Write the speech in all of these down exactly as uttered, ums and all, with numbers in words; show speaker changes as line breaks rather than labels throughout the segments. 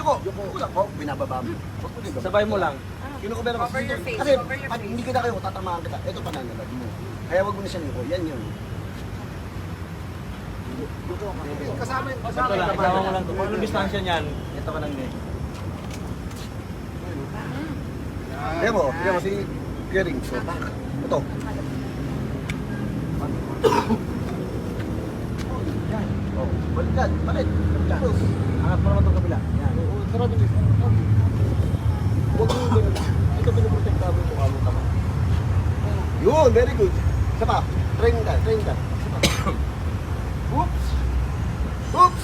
Yuko, yuko. Yuko lang. Oh, binababa mo. Huwag mo dito.
Sabay mo lang.
Kinukubera ko.
Cover your face,
Kasi
cover your
pag
face.
hindi kita kayo, tatamaan kita. Ito pa nangalag mo. Kaya wag mo na siya yuko. Yan yun. Kasama yung
Ito lang, isama mo lang to. Kung anong distansya niyan, ito ka lang din.
Kaya mo, kaya mo si Kering. So, ito. Oh, baliktad, balik. Close.
Angat mo naman itong kabila. Yan.
Oo, sarado dito. Huwag mo yung ganun. Ito pinoprotekta mo yung mukha mo tama. Yun, very good. Isa pa, train ka, train ka. Isa pa. Oops! Oops!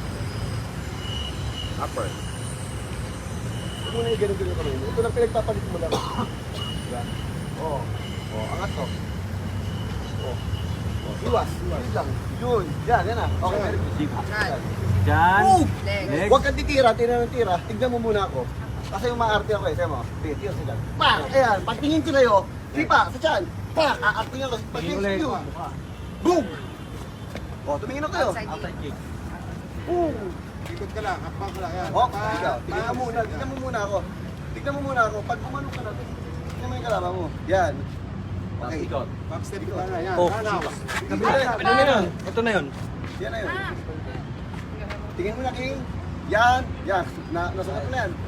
Upper. Huwag mo na yung ganun-ganun kamay mo. Ito lang pinagpapalit mo lang. Diba? Oo. Oo, angat to. Oo. Oo, iwas. Iwas lang. Yun. Yan, yan ah. Okay, very good. Yan.
Diyan.
Move!
Legs.
Huwag kang titira, tira ng tira. Tignan mo muna ako. Kasi yung maarte ako eh. Sabi mo, tira, tira sa dyan. Pak! Ayan, pagtingin ko sa'yo, sipa, sa dyan. Pak! Aarting ako.
Tingin ulit.
Pag-execute. Boom! O, tumingin ako kayo.
Outside
Outside kick.
Boom!
Ikot ka lang, hakbang ka lang. Yan.
O, ikaw, tingnan mo muna. Tingnan mo muna ako. Tingnan mo muna ako. Pag umanong ka na, tingnan mo yung kalaban mo. Yan.
Tapos
Okay.
ikot.
Backstep ka na. Yan.
Oh,
Run out.
Kabila.
Ano na yun? Ito na yun.
Yan na yun. Tingin mo na, King. Yan. Yan. Na, nasukat mo na yan.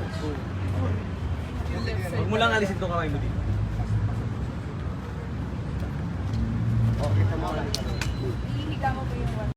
Huwag mo lang alisin itong kamay mo dito.
O, kita mo.
Hihiga mo po yung one.